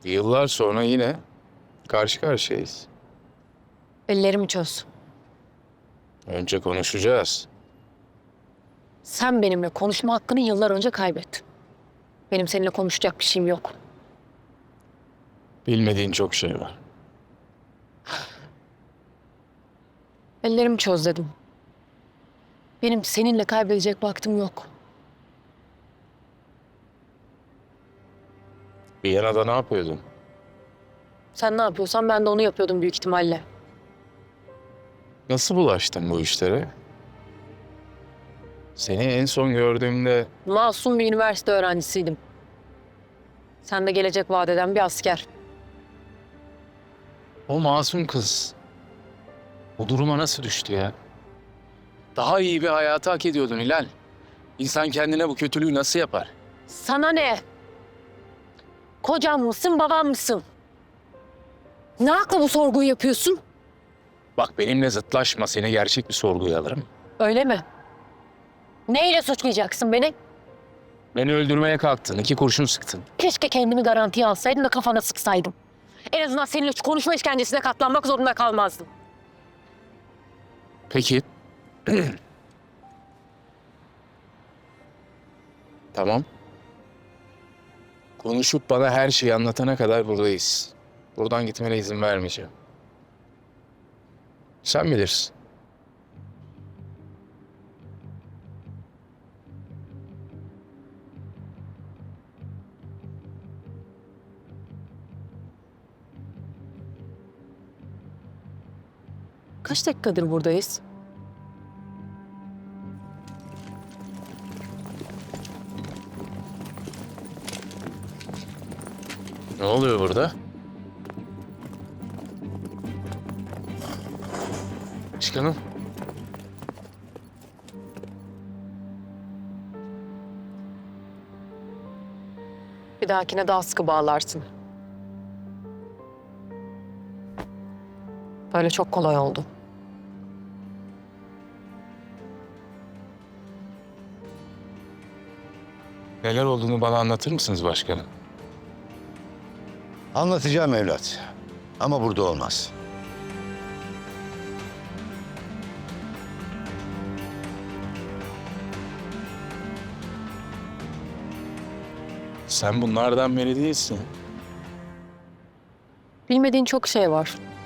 Yıllar sonra yine karşı karşıyayız. Ellerimi çöz. Önce konuşacağız. Sen benimle konuşma hakkını yıllar önce kaybettin. Benim seninle konuşacak bir şeyim yok. Bilmediğin çok şey var. Ellerimi çöz dedim. Benim seninle kaybedecek vaktim yok. Viyana'da ne yapıyordun? Sen ne yapıyorsan ben de onu yapıyordum büyük ihtimalle. Nasıl bulaştın bu işlere? Seni en son gördüğümde Masum bir üniversite öğrencisiydim. Sen de gelecek vaat eden bir asker. o masum kız bu duruma nasıl düştü ya? Daha iyi bir hayatı hak ediyordun Hilal. İnsan kendine bu kötülüğü nasıl yapar? Sana ne? Kocam mısın, babam mısın? Ne hakla bu sorguyu yapıyorsun? Bak benimle zıtlaşma, seni gerçek bir sorguya alırım. Öyle mi? Neyle suçlayacaksın beni? Beni öldürmeye kalktın, 2 kurşun sıktın. Keşke kendimi garantiye alsaydım da kafana sıksaydım. En azından seninle şu konuşma işkencesine katlanmak zorunda kalmazdım. Peki. Tamam. Konuşup bana her şeyi anlatana kadar buradayız. Buradan gitmene izin vermeyeceğim. Sen bilirsin. Kaç dakikadır buradayız? Ne oluyor burada? Çıkalım. Bir dahakine daha sıkı bağlarsın. Böyle çok kolay oldu. Neler olduğunu bana anlatır mısınız başkanım? Anlatacağım evlat. Ama burada olmaz. Sen bunlardan biri değilsin. Bilmediğin çok şey var.